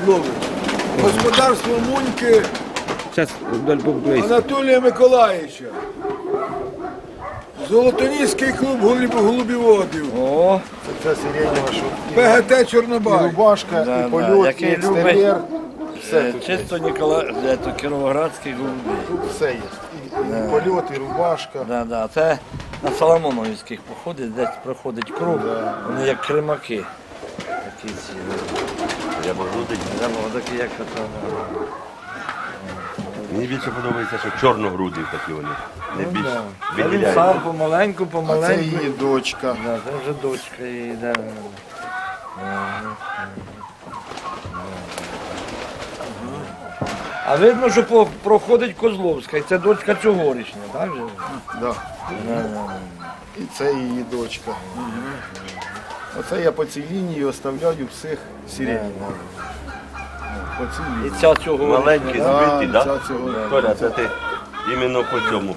ловить. Господарство Муньки Зараз вдоль поблизу. Анатолія Миколаївича. Золотоніський клуб голубіводів. О, Це сиренева, що ПГТ і Чорнобай. рубашка, Да, і да, польот, і який екстер'єр. Все чисто Кіровоградський голубий. тут все є. І польот, і рубашка. Да, да. Це на Соломоновських походить, десь проходить круг, вони як кримаки. Такі ці. Такі як ото. Мені більше подобається, що чорногруді такі вони. Не більш А він виділяють. сам помаленьку, А це помаленьку. її дочка. Да, це вже дочка її, да. А видно, що проходить Козловська, і це дочка цьогорічня, так же? Да. І це її дочка. Оце я по цій лінії оставляю всіх сиренів. По цій І лінії. ця цього Маленькі збиті, ця так? цього. Толя, це ти іменно по цьому.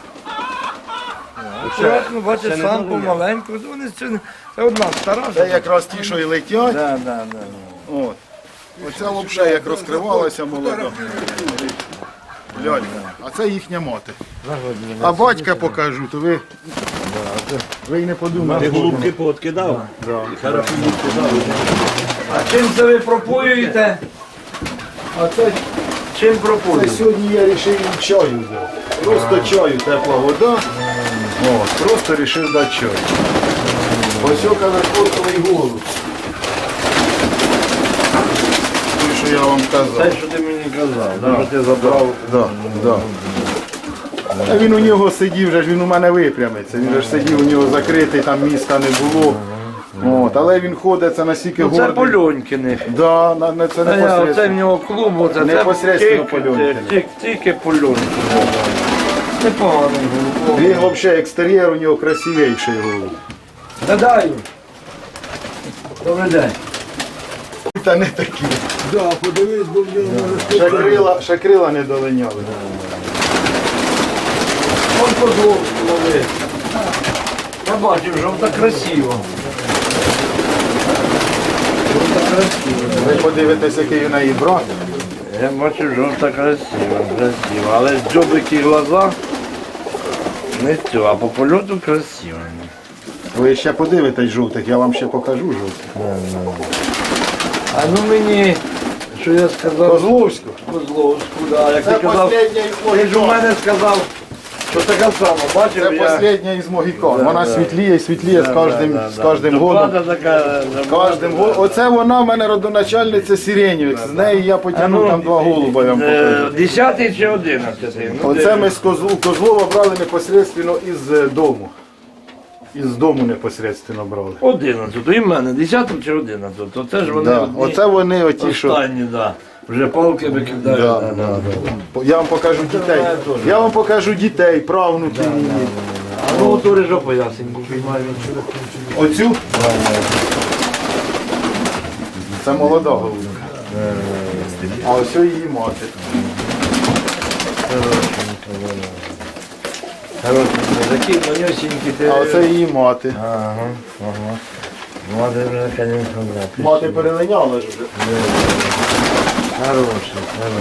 Акуратно, бачиш, ще не сам додаю. помаленьку. Вони це одна стара. Це якраз ті, що і летять. Да, да, да. От. Оця взагалі як розкривалася молода. Лялька. А це їхня мати. А батька покажу, то ви й не Ти подумали. голубки пооткидав? І хорошо їх кидав. А чим це ви пропоюєте? А це Чим пропоюєте? сьогодні я вирішив їм чаю дати. Просто чаю, тепла вода. О, просто вирішив дати чаю. Ось каверфорковий голуб. Той, що я вам Те, казав. що ти мені казав, що ти забрав. Да. А він у нього сидів, вже ж він у мене випрямиться. Він же ж сидів, у нього закритий, там міста не було. От, але він ходить, це настільки Ну, це гордий. Польонькиних. Да, це Оце в непосередньо. нього клуб, оце Непосредственно Польонькине. Тільки Польонькине. Непоганий голубок. Він взагалі екстер'єр у нього красивіший голуб. Гадаю. Добрий день. Та не такі. Да, подивись, бо в нього Ще крила не долиняли. Он Козловський ловить. Я бачив, жовта красиво. Жовта красиво. Ви подивитесь, який у неї брат. Я бачу, жовта красиво. Але дзьобики глаза не цього, а по польоту красиво. Ви ще подивитесь жовтих, я вам ще покажу жовтих. А ну мені, що я сказав? Козловську. Козловську, да. Як Це ти казав, последня із ти ж у Могікан. мене сказав, що така сама, бачив Це я. последня із Могікан. Вона світліє і світліє з кожним годом. Доклада така, Кожним оце вона в мене родоначальниця сиренів. З неї я потягнув там два голуба, я вам покажу. 10-й чи 11-й? Ну, Оце ми з Козлова брали непосредственно із дому. Із дому непосредственно брали. 11-й, і в мене 10-й чи 11-й, то це ж вони Да. одні Оце вони оті, що. останні, да. Вже палки викидають. Да, да, да, да. Я вам покажу дітей. Я вам покажу дітей, правнуків її. А ну то рижопа ясеньку піймаю. Оцю? Це молода голубка. А ось її мати. Такі манюсінькі ти. А оце її мати. Ага. Мати вже, звісно, да. Мати перелиняла ж вже. Хороший.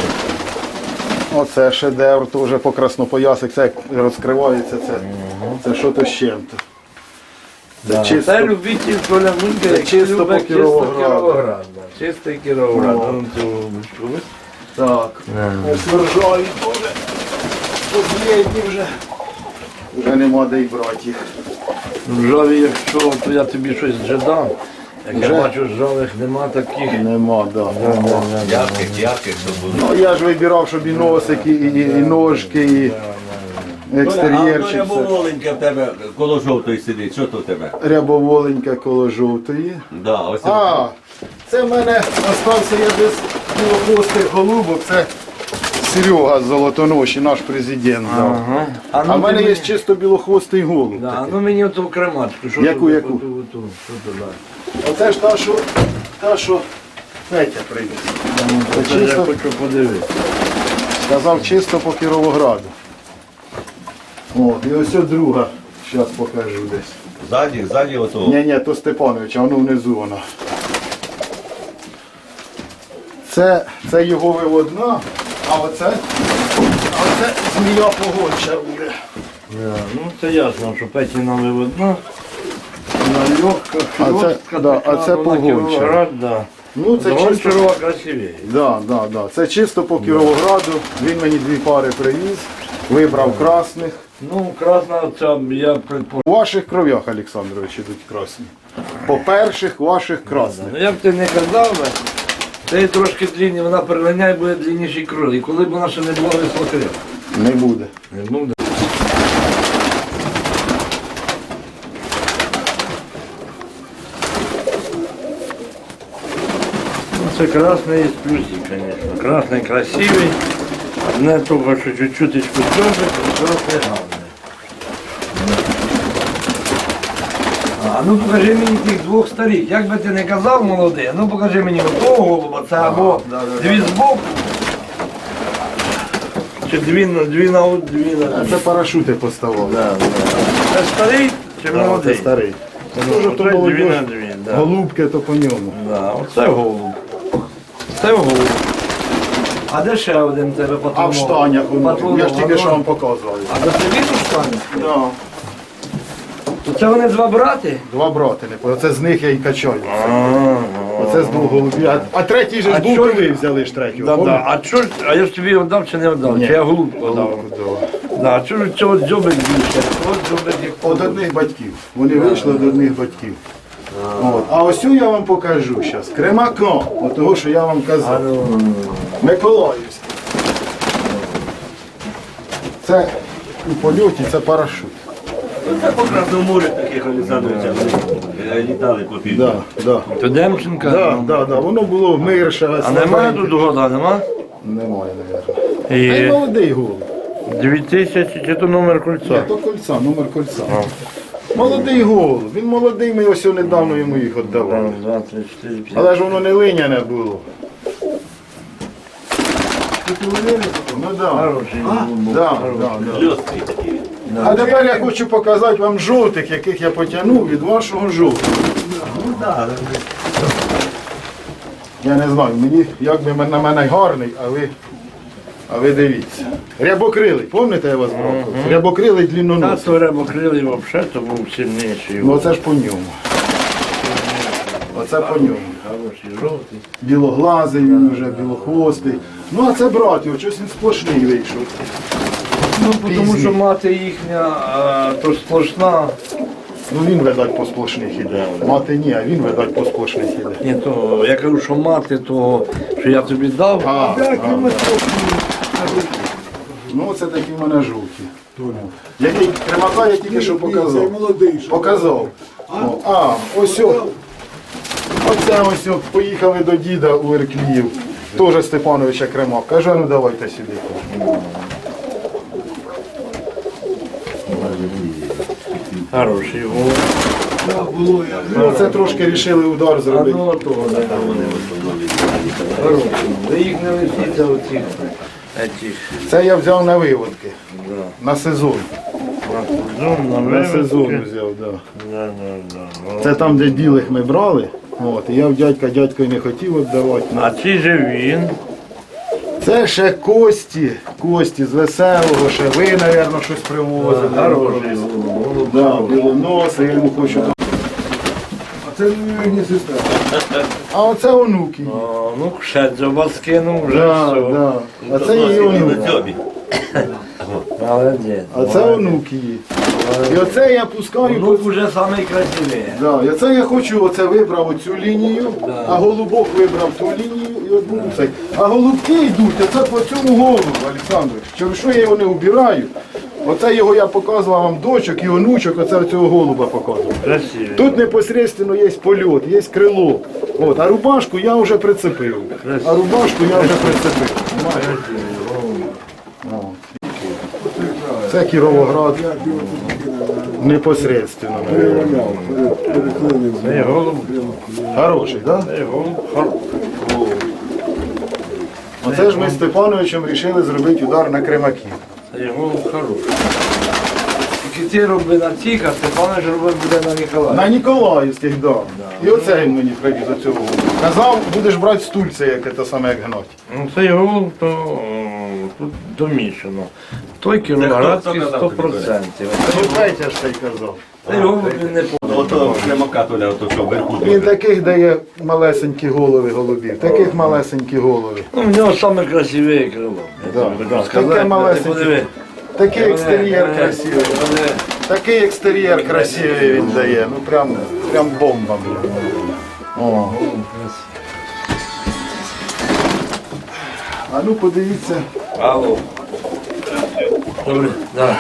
Оце шедевр, теж по краснопоясик, це як розкривається, це що то з чим-то. Це чисто. Це любитель Толя Мунька, який чисто любить по чисто Кіровограду. Кіровоград. Да. Чистий Кіровоград. Вон цю голубочку. Так. Ось вержаві теж. Последні вже. Вже нема де й брати їх. Ржаві, якщо, то я тобі щось вже дам. Як Вже? я бачу, ржавих нема таких. Нема, так. Да. Ярких, щоб було. Ну, я ж вибирав, щоб і носики, і ножки, і екстер'єрчик. А воленьке в тебе коло жовтої сидить, що то в тебе? Рябоволенька коло жовтої. Да, ось А, це в мене остався я без білохвостих голубок, це Серега з Золотоноші, наш президент. дав. Ага. А в мене є чисто білохвостий голуб. Да, ну мені оту кремачку. Що Яку, тут, яку? оту, що туди? Оце ж та, що Петя привіз. Це я хочу подивитися. Сказав чисто по Кіровограду. О, і ось друга, зараз покажу десь. ззаді отого. Ні, то Степанович, а воно внизу вона. Це його виводна, а оце змія погонча буде. Ну це ясно, що Петіна виводна. Вона легка, а це погонча. Да. Ну, це чисто, Гончарова красивее. да. Це чисто по Кіровограду. Він мені 2 пари привіз, вибрав красних. Ну, красна ця, я предполагаю. У ваших кров'ях, Олександрович, ідуть красні. По перших ваших красних. Ну я б ти не казав би, це трошки длинні, вона переганяє, буде длинніший кроль. І коли б вона ще не була вислокрив. Не буде. Не буде. Ну, це красний є плюсик, звісно. Красний красивий. Одне того, що чуть-чуточку дзьобик, і красний гарний. А ну покажи мені тих 2 старих. Як би ти не казав молодий, а ну покажи мені отого голуба, це або дві збоку. Чи дві на. Це парашути поставили. Це старий чи Це молодий? старий. Ну, Дуже то оце молодь. дві на дві, да. Голубки то по ньому. Да, оце голуб. Це голуб. А де ще один тебе патрон? А в штанях воно. Патрон, Я ж тільки що воно. вам показував. А це він у штанях? Да. То це вони 2 брати? 2 брати. Оце з них я і качаю. Оце з 2 голубів. А третій же А ж був, чо- коли взяли ж третього. Да. А я ж тобі віддав чи не віддав? Ні. Чи я голубку віддав? Да. А чого ж цього дзьобик більше? От дзьобик як Од одних батьків. Вони вийшли від одних батьків. От. А ось цю я вам покажу зараз. Кремака. От того, що я вам казав. Миколаївський. Це у польоті, це парашут. Це по Красному морю таких Олександровича літали по півдні. Да. То Демченка? Да. Воно було мирше. А немає тут года, нема? Немає, мабуть. Та й І молодий голуб. 2000, чи то номер Ні, кольця? то кольця, номер кольця. Молодий голуб. Він молодий, ми ось недавно йому їх віддавали. Раз, два, три, 4, 5. Але ж воно не линяне було. Ну да. Хороший голуб. Да. Льосткий такий. А тепер я хочу показати вам жовтих, яких я потягнув від вашого жовтого. Я не знаю, мені як би на мене гарний, а ви дивіться. Рябокрилий, пам'ятаєте, я вас брав? Рябокрилий Та длинноносий. то рябокрилий взагалі, то був сильніший. Ну оце ж по ньому. Оце по ньому. Хороший, жовтий. Білоглазий він вже, білохвостий. Ну а це брат його, щось він сплошний вийшов. Ну, тому що мати їхня, то сплошна. Ну він, видать, по сплошних іде. Мати ні, а він, видать, по сплошних іде. Ні, то я кажу, що мати того, що я тобі дав. Ну це такі в мене жовті. Який кремака я тільки що Це показав. молодий. що? Показав. Ось о. Оце ось о, поїхали до діда у Іркліїв. Теж Степановича Кремак. Каже, ну давайте сюди. Хороший голуб. Ну це трошки рішили удар А зробити. ну того, да, вони в основному літали. Хороший. Ви їх не лишіться оцих. Це я взяв на виводки. На сезон. На сезон взяв, так. Це там, де білих ми брали. От, і я в дядько й не хотів віддавати. А чи же він? Це ще Кості з веселого, ще ви, мабуть, щось привозили. Хороший голуб. Да, білоноси, я йому хочу. А це не сестра. А оце онуки. О, ну, ще дзьоба скинув, вже Да, все. да. А це її онуки. Дзьобі. Молодець. А це онуки її. І оце я пускаю. Внук вже самий красивий. Да, і оце я хочу, оце вибрав оцю лінію, а голубок вибрав ту лінію і от буду цей. А голубки йдуть, оце по цьому голубу, Олександрович. Через що я його не убираю? Оце його я показував вам дочок і онучок, оце цього голуба показував. Красивий. Тут непосредственно є польот, є крило. От, а рубашку я вже прицепив. Це Кіровоград. Непосредственно. Цей голуб. Хороший, так? Да? Цей голуб. Оце ж ми з Степановичем вирішили зробити удар на кремаків. Цей голуб хороший. ці робили на цих, а Степанович робив буде на Ніколаїв. На Ніколаївських, да. І оце він мені привіз оцього голуба. Казав, будеш брати стульце, як це саме як гнать. Ну, цей голуб, то тут домішано. Той кіровоградський 100%. Ну, третє ж цей казав. Цей голуб він не Ото Климака Толя, ото що вверху. Він таких дає малесенькі голови голубів, таких малесенькі голови. Ну, в нього саме красиве крило. Да. Таке малесеньке. Такий екстер'єр красивий. Такий екстер'єр красивий він дає. Ну прям бомба. Блін. О. А ну подивіться. Алло. Добре, да.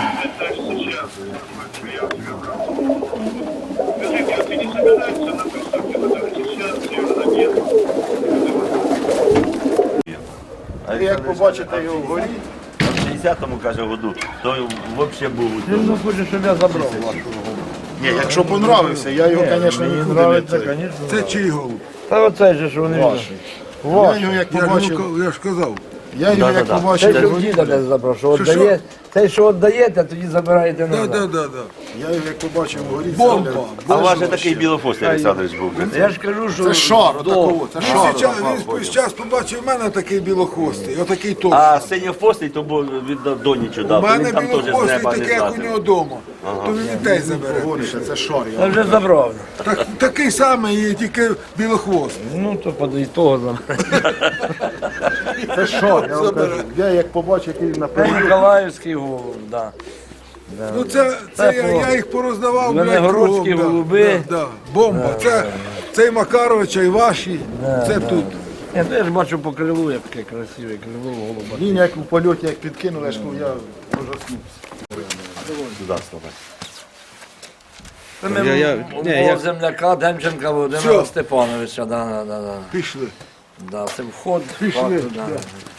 І як побачите його вгорі, В 60-му, каже, году, то взагалі був. Він хоче, щоб я забрав вашу. ні, якщо понравився, я його, звісно, Мені нікуди не подобається, цей. звісно. Це чий голуб? Та оцей же, що вони Ваш. Ваш. Я його як Я побачив, ж казав. я його як Цей, побачив, що в діда десь забрав, що Що, віддає, цей, що віддаєте, тоді забираєте назад. Да. я його як побачив вгорі. Бомба. А у вас же такий Білофос Олександрович був. Я ж кажу, що Це шар, отакого, це шар. Він зараз побачив в мене такий білохвостий, отакий товстий. А синьофостий, то був від Донічу У дав. мене Він там теж з білохвостий неба не такий, як у знати. нього вдома. То він і те забере. Гоніше, це шар. я вже забрав. Такий самий, тільки білохвостий. Ну, то подай того забрав. Це шар, я вам кажу. Я як побачив, який Це наперед. Ніколаївський голуб, да. Ну це я їх пороздавав, блядь, Звенигородські кругом, голуби. Да. Бомба. Це і Макаровича, і ваші. Це тут. Я теж бачу по крилу, яке красиве крило голуба. Він як у польоті, як підкинули, я ж кажу, я ужаснувся. Туди слухай. Це ми я- мого земляка Демченка Володимира Всьо. Степановича. Да. Пішли. Да, це вход. Пішли, факту, да.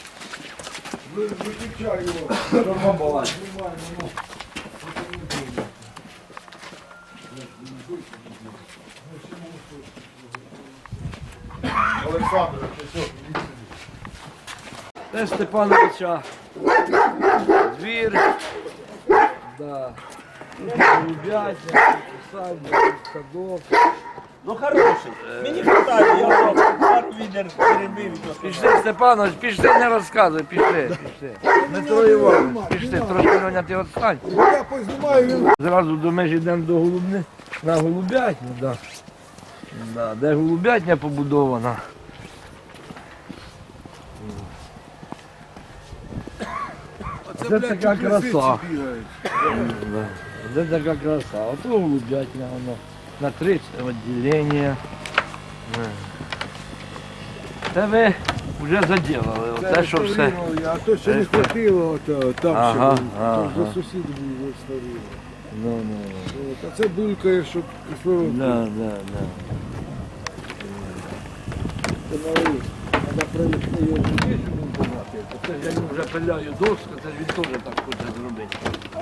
Олександр, Це Степановича двір. Да. Тут голубятня, садик, садок. Ну хороший. Мені хватає, я пару відер перебив. Пішли, Степанович, пішли, не розказуй, пішли. Дмитро Іванович, пішли, трошки Роня, ти відстань. Я познімаю, він Зразу до межі йдемо до голубни, на голубятню, да. Да, де голубятня побудована. Це, Це блядь, така тут лисиці краса. бігають. Да. Де така краса. Ото голубятня, воно на 3 відділення. Це ви вже заділили, оце що все. Реставрували, а то ще не хватило, там Ага, ще було. ага. То за сусідів були реставрували. Ну. От, а це булькає, щоб кислород. Да. Це малий. Треба привезти його сюди, щоб він побачив. Це ж я йому вже пиляю доску, це ж він теж так хоче зробити.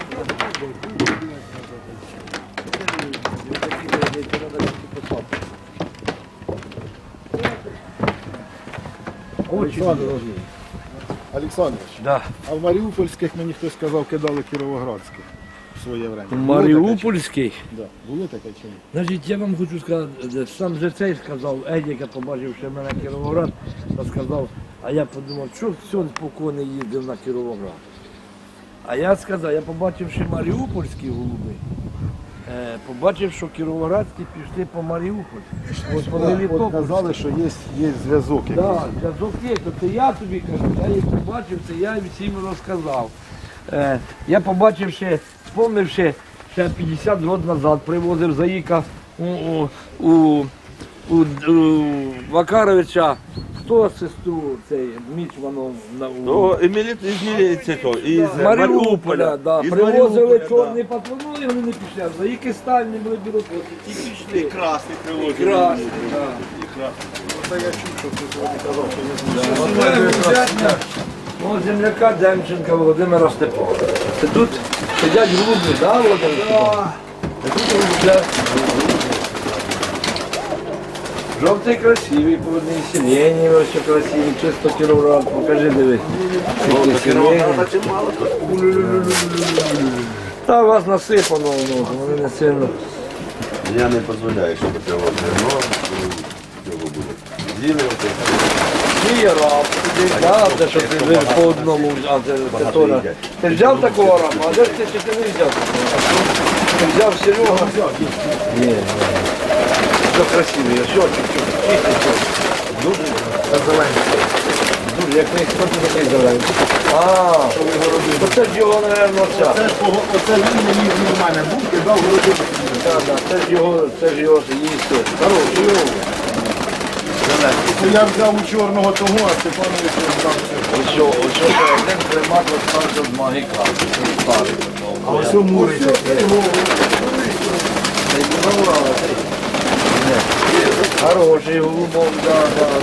Олександрович. Олександрович, Да. а в Маріупольських мені хтось сказав, кидали Кіровоградських в своє время. Маріупольський. Да. Було таке чи ні? Значить, я вам хочу сказати, сам же цей сказав, Едіка, побачивши мене Кіровоград, то сказав, а я подумав, що все спокійно їздив на Кіровоград. А я сказав, я побачивши маріупольські голуби, побачив, що кіровоградські пішли по Маріуполь. Ось по От Мелітополю. казали, що є зв'язок якийсь. Так, зв'язок є, то це я тобі кажу, я їх побачив, це я всім розказав. Я побачив ще, спомнивши, ще 50 років назад привозив заїка у Вакаровича, хто сестру цей Мічманов То із міліції, із з Маріуполя, да. Із Привозили Маріуполя, чорний патрон, ну і вони не пішли. а заїки стальні були білоплоті, ті пішли. І красний привозив. Красні, так. Це я чув, що хтось сьогодні казав, що є зв'язок. Мого земляка Демченка Володимира Степановича. Це тут сидять голуби, да, Володимир Степанович? Це тут голубля. Жовтий красивий, по одній сілені, ось що красивий, чисто Кіровоград, покажи, диви. Скільки сілені. Та у вас насипано, ну, вони не сильно. Я не дозволяю, щоб цього зерно цього буде. З'їли оце. Є раб, де що ти вже по одному, а це Тора. Ти взяв такого раба, а де ж ти ще ти не взяв? Ти взяв Серега? Ні, все красиве, все чуть-чуть, чистий все. Дуже зелений. Дуже, як не хто такий зелений. Оце ж його, мабуть, ця. Оце він не їв від мене був, кидав городину. Це ж його їсти. Хороший його. Це я взяв у чорного того, а Степанович взяв цього. Ось що один примат розстався з магіка. Це старий. А ось у мурі таке. Хороший голубок, да.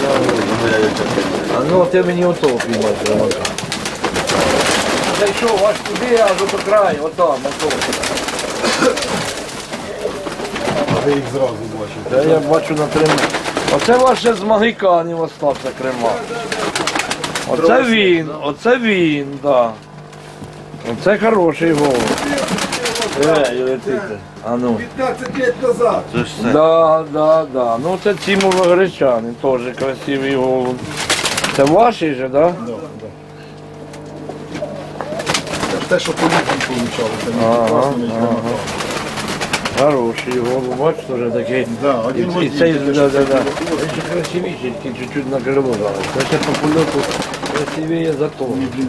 А ну ти мені ото піймай примака. Зайшов аж туди, аж ото край, отам, ото. Ви їх зразу бачите. Це я бачу на Криму. Оце ваше з магиканів остався Крима. Оце він, да. Оце хороший голуб. Летите. А ну. 15 років назад. Це ж це. Да. Ну це Тімова Гречани, теж красивий голуб. Це ваші же, да? Це ж те, що по літній получали. Це не класно, Хороший голуб, бачите, вже такий. Да, один в І один. цей, Таке, да. що Він це ще красивіший, тільки чуть-чуть на крило зараз. Це ще по польоту красивіє за то.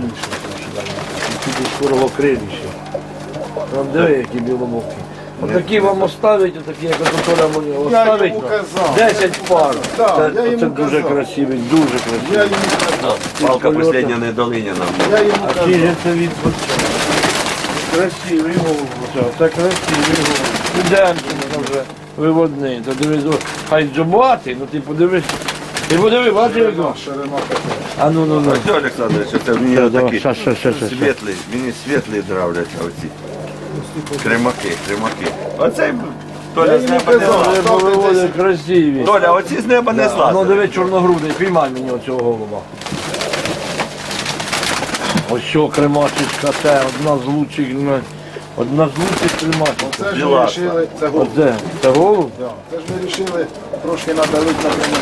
Чуть скорого криліще. Там диви, які білобокі. Отакі вам оставить, отакі, як Толя мені Я оставить. йому казав. 10 пар. Так, я Це йому дуже казав. красивий, дуже Я красивий. йому казав. Палка польоту. последня недолиняна. Я йому А казав. чи же це від красивий голуб, це красивий голуб. Ідемо вже виводний. То дивись, хай дзюбатий, ну ти подивись. Ти подиви, бачиш його? Ширина така. А ну. Ось Олександрович, це в нього давай, такі щас. світлі, мені світлі нравляться оці. Кремаки. Оцей Толя з йому неба не казав. злазить. Вони виводять красиві. Толя, оці з неба не Ну злазить. диви, чорногрудий, піймай мені оцього голуба. Ось що кремачечка, це одна з лучших, кремачок. Це ж ми Біла. вирішили, це голуб. Оце, це голуб? Да. Це ж ми вирішили трошки надавити на прямо.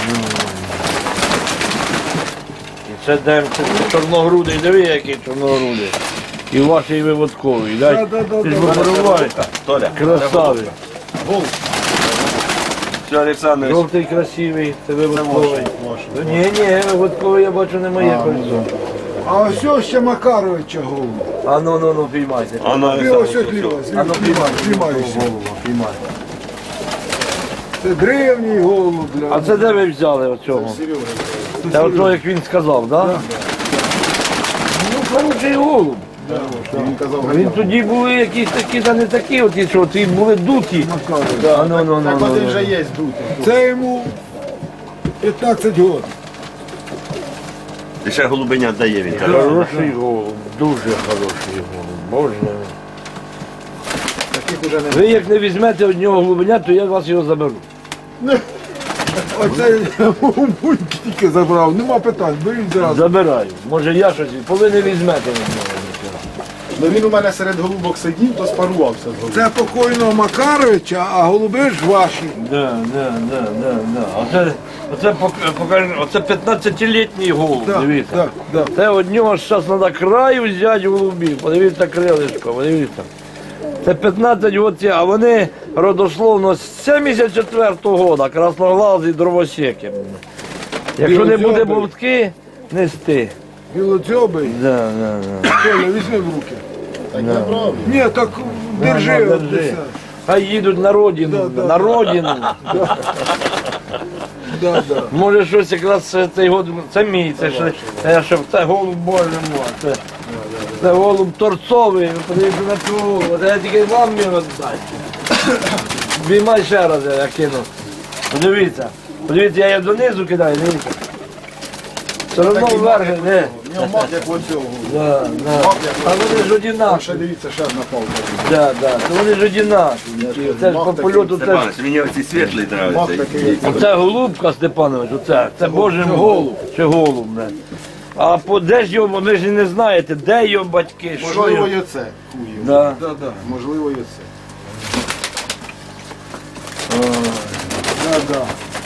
І це демце, це чорногрудий, диви, який чорногрудий. І ваший виводковий, дай? Да. Ти ж випробувай. Толя, Красавий. все, Олександрович, Жовтий красивий, це виводковий. Ні, виводковий я бачу не моє кольцо. А ось ще Макаровича голуб. А ну, піймайте. а ну, Ти ось Олександрович, отліва, А ну піймай, знімайся. голуба, піймай. Це древній голуб. А це де ви взяли оцього? Це оцього, як він сказав, так? Да? Ну, хороший голуб. Він казав, Він тоді були якісь такі, та не такі, от і що, ті були дуті. А ну. так один вже є дутий. Це йому 15 років. і ще голубеня дає він. каже. Хороший голуб, дуже хороший голуб, боже. Таких уже не Ви як не візьмете одного голубеня, то я вас його заберу. Оце буньки тільки забрав, нема питань, беріть зразу. Забираю. Може я щось, коли не візьмете одного. Ну він у мене серед голубок сидів, то спарувався з голубом. Це покойного Макаровича, а голуби ж ваші. Да. Оце 15-літній голуб, Да, дивіться. да. Це од нього зараз треба краю взяти голубів. Подивіться крилишко, подивіться. Це 15 років, а вони родословно з 74-го року, красноглазі дровосеки. Якщо не буде Білоцьобий. бовтки, нести. Білоцьобий. Да. Коля, візьми в руки. Так я брав. Ні, так держи. Ну, от держи. десь. Хай їдуть на родину, Да. на родину. Да. Може щось якраз цей год, це мій, це голуб Боже мой, це голуб торцовий, ви подивіться на цього голуба, це я тільки вам його віддати. Біймай ще раз, я кину. Подивіться, я її донизу кидаю, дивіться. Все одно Такий вверх, мак, не. В нього мак, як оцього. Да. А вони ж одинакові. Ще дивіться, ще одна палка. Да. То вони ж одинакові. Це ж по польоту теж. Степанович, мені оці світлі Мак нравляться. такий. Оце голубка, Степанович, оце. Це Боже голуб. Чи голуб, не. А де ж його, ви ж не знаєте, де його батьки, що Можливо, його? і оце. Хуй його. Да. Да-да. Можливо, і оце. Да-да.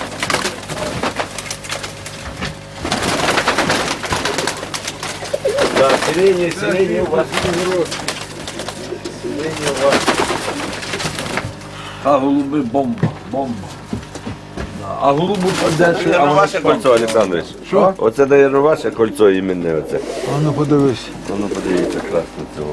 Да, селення у вас. А голуби бомба, бомба. Да. А голубу де Це а ваше кольцо, Олександрович. Що? Оце, наверное, ваше кольцо іменне оце. А ну подивись. Ну, подивіться, красно цього.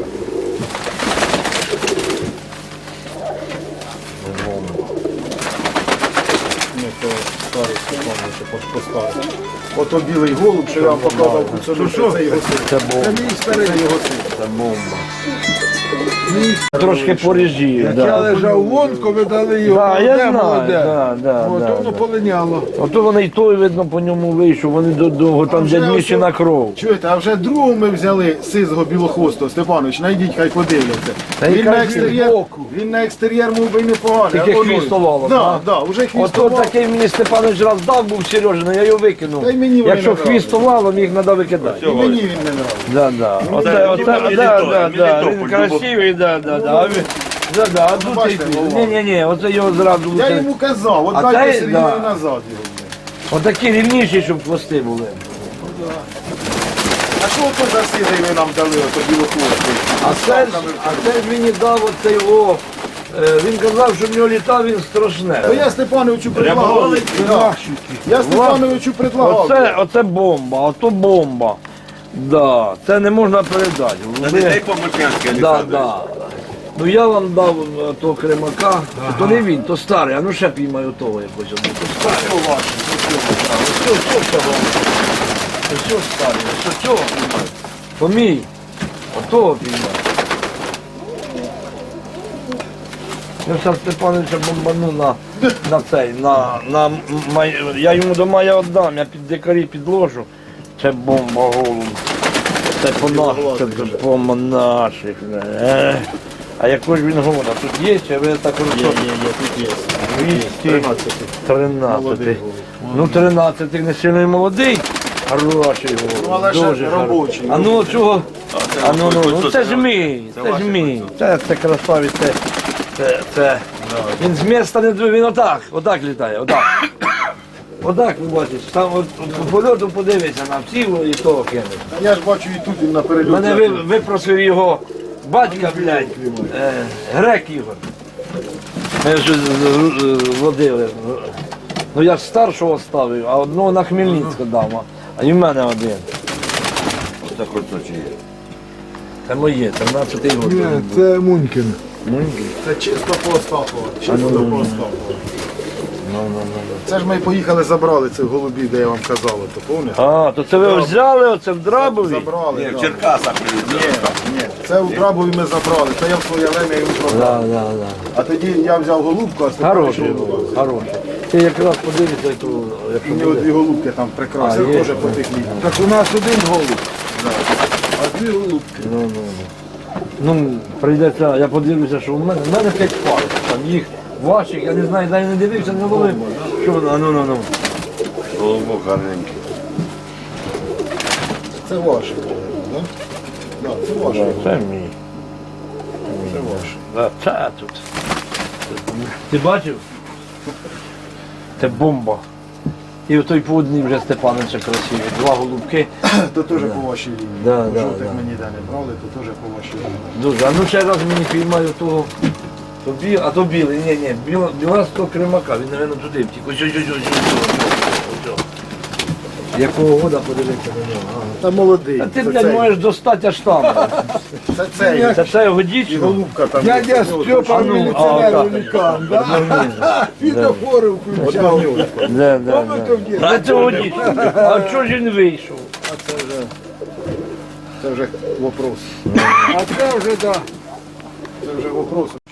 Ото білий голуб, що я вам показав, це його син. Це бомба. Це мій старий. Це його син. Це бомба. Трошки поріжів, Як я да. лежав в лонку, ви дали його Да, я молоде, знаю, да, От да, воно да. полиняло. Ото вони й той, видно, по ньому вийшов, вони довго там вже дядь Міші ось- на кров. Чуєте, а вже другого ми взяли сизого білохвостого, Степанович, найдіть, хай подивляться. Та Він яка на ж екстер'єр, він на екстер'єр мов би й непоганий. Тільки а воно- хвістовало, Да, так? да, вже Ото хвістовало. такий мені Степанович раз дав був Сережина, я його викинув. Та й мені вони Якщо не нравились. хвістовало, їх треба викидати. І мені він не нравиться. Да, да. Оце, він красивий, да. А він, да, а тут бачите, голова. ні, оце його зразу. Я оце- йому казав, от А дайте цей, Сергію да. назад його. Отакі рівніші, щоб хвости були. А що то за сизий ви нам дали, ото білохвостий? А це ж мені дав оцей о. Він казав, що в нього літав він страшне. То я Степановичу предлагав. Да. Я Степановичу предлагав. Оце бомба, ото бомба. Да, це не можна передати. На дітей по-мурчанськи, Да, Олександрович. да. Ну я вам дав того кремака, то не він, то старий, а ну ще піймаю того якось одного. То старий. Ось старий, ось цього піймаю. То мій, отого піймаю. Я зараз Степановича бомбану на цей, я йому до мая віддам, я під дикарі підложу. Це бомба голуб. Це по наших, це бомба наших. А якого ж він года? Тут є, чи ви так розумієте? Є, тут є. 13. Ну 13 не сильно молодий. Хороший Ну, але голуб. ще Дуже робочий. А ну чого? А ну, кольцо, це ж це мій, це це ж ваше мій. Це красавець, це. Він з міста не двоє, він отак літає, отак. Отак, ви бачите, там от, по польоту подивися на всі і того кине. Я ж бачу і тут він на перельоті. Мене випросив його батька, блядь, грек Ігор. Ми ж водили. Ну я ж старшого ставив, а одного на Хмельницьку дав, а і в мене один. Це кольцо чи є? Це моє, 13-й год. Ні, це Мунькін. Це чисто по Остапова. Чисто по Остапова. Це ж ми поїхали, забрали цих голубів, де я вам казав, то пам'ятаєте? А, то це ви взяли оце в Драбові? Забрали. Ні, да. в Черкасах. Ні, це в Драбові ми забрали, це я в своє время йому продав. Да. А тоді я взяв голубку, а Степан Хороший, пішов голубку. хороший. Ти якраз подивися, то, У якщо нього буде. дві голубки там прекрасні, А, є. теж по тих лініях. Так у нас один голуб, а дві голубки. Ну, прийдеться, я подивлюся, що в мене 5 пар. Там їх ваших, я не знаю, навіть не дивився, не ловив. Що воно, ну. Голубок гарненький. Це ваше, так? Да, це ваше. Це мій. Це ваше. Да, це тут. Ти бачив? Це бомба. І той по одній вже Степановича красиві. Два голубки. То теж по вашій лінії. Да, Жовтих да. ми ніде не брали, то теж по вашій лінії. Дуже. А ну ще раз мені піймаю того. А то білий, ні, біластого кремака, він, мабуть, туди втік. Ось. Якого года подивитися на нього? Ага. Та молодий. А ти, це блядь, цей. можеш достати аж там. Це цей. Це все його І дійсно. голубка там. Дядя є. Степа ну, міліціонер а, великан, да? Фітофори включав. Да. Помните в дітстві? А цього дійсно. А чого ж він вийшов? Це вже вопрос. А це вже, да. Це вже вопрос.